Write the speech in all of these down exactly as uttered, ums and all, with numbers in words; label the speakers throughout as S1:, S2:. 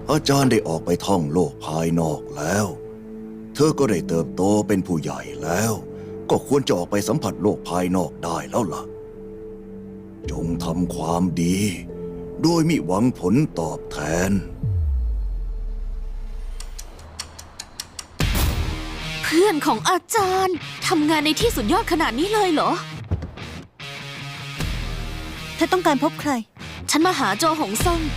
S1: อาจารย์ได้ออกไปท่องโลกภายนอกแล้ว เธอก็ได้เติบโตเป็นผู้ใหญ่แล้ว ก็ควรจะออกไปสัมผัสโลกภายนอกได้แล้วล่ะ จงทำความดี โดยมิหวังผลตอบแทน
S2: เพื่อนของอาจารย์ทำงานในที่สุดยอดขนาดนี้เลยเหรอ
S3: เธอต้องการพบใคร
S2: ฉันมาหาโจหงซ่ง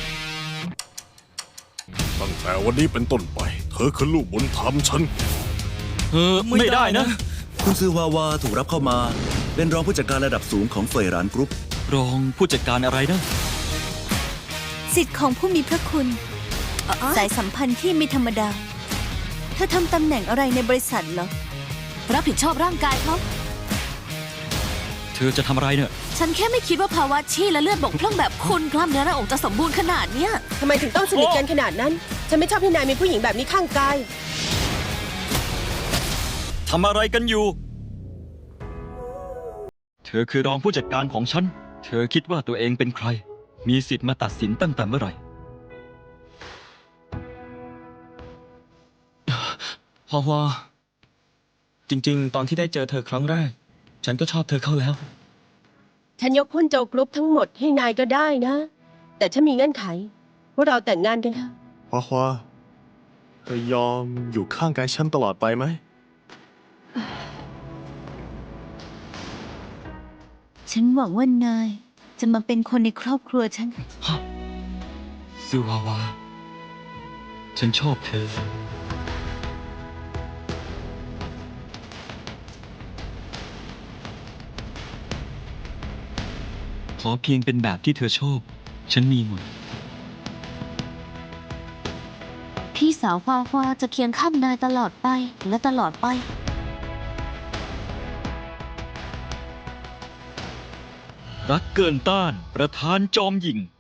S4: ตั้งแต่วันนี้เป็นต้นไป เธอคือลูกบุญธรรมฉัน
S5: เออไม่ได้นะ
S6: คุณซือวาวาถูกรับเข้ามา เป็นรองผู้จัดการระดับสูงของเฟยหรานกรุ๊ป
S5: รองผู้จัดการอะไรนะ
S3: สิทธิ์ของผู้มีพระคุณ สายสัมพันธ์ที่ไม่ธรรมดา เธอทำตำแหน่งอะไรในบริษัทเหรอ
S2: รับผิดชอบร่างกายเขา
S5: เธอจะทำอะไรเนี่ย
S2: ฉันแค่ไม่คิดว่าภาวะชีและเลือดบกพร่องแบบคุณกล้ามเนื้อหน้าอกจะสมบูรณ์ขนาดเนี้ย
S7: ทำไมถึงต้องสนิทกันขนาดนั้น ฉันไม่ชอบให้นายมีผู้หญิงแบบนี้ข้างกาย
S5: ทำอะไรกันอยู่ เธอคือรองผู้จัดการของฉัน เธอคิดว่าตัวเองเป็นใคร มีสิทธิ์มาตัดสินตั้งแต่เมื่อไหร่
S8: ฮาวาจริงๆ ตอนที่ได้เจอเธอครั้งแรก ฉันก็ชอบเธอเข้าแล้ว
S7: ฉันยกหุ้นโจกรุ๊ปทั้งหมดให้นายก็ได้นะ แต่ฉันมีเงื่อนไขว่าเราแต่งงานกันเถอะ
S4: ฮวาฮวาเธอยอมอยู่ข้างกายฉันตลอดไปไหม
S3: ฉันหวังว่านายจะมาเป็นคนในครอบครัวฉัน
S5: ซือวาวา ฉันชอบเธอ ขอเพียงเป็นแบบที่เธอชอบ ฉันมีหมด
S2: พี่สาวฟาฟาจะเคียงข้างนายตลอดไปและตลอดไป
S5: รักเกินต้าน ประธานจอมหยิ่ง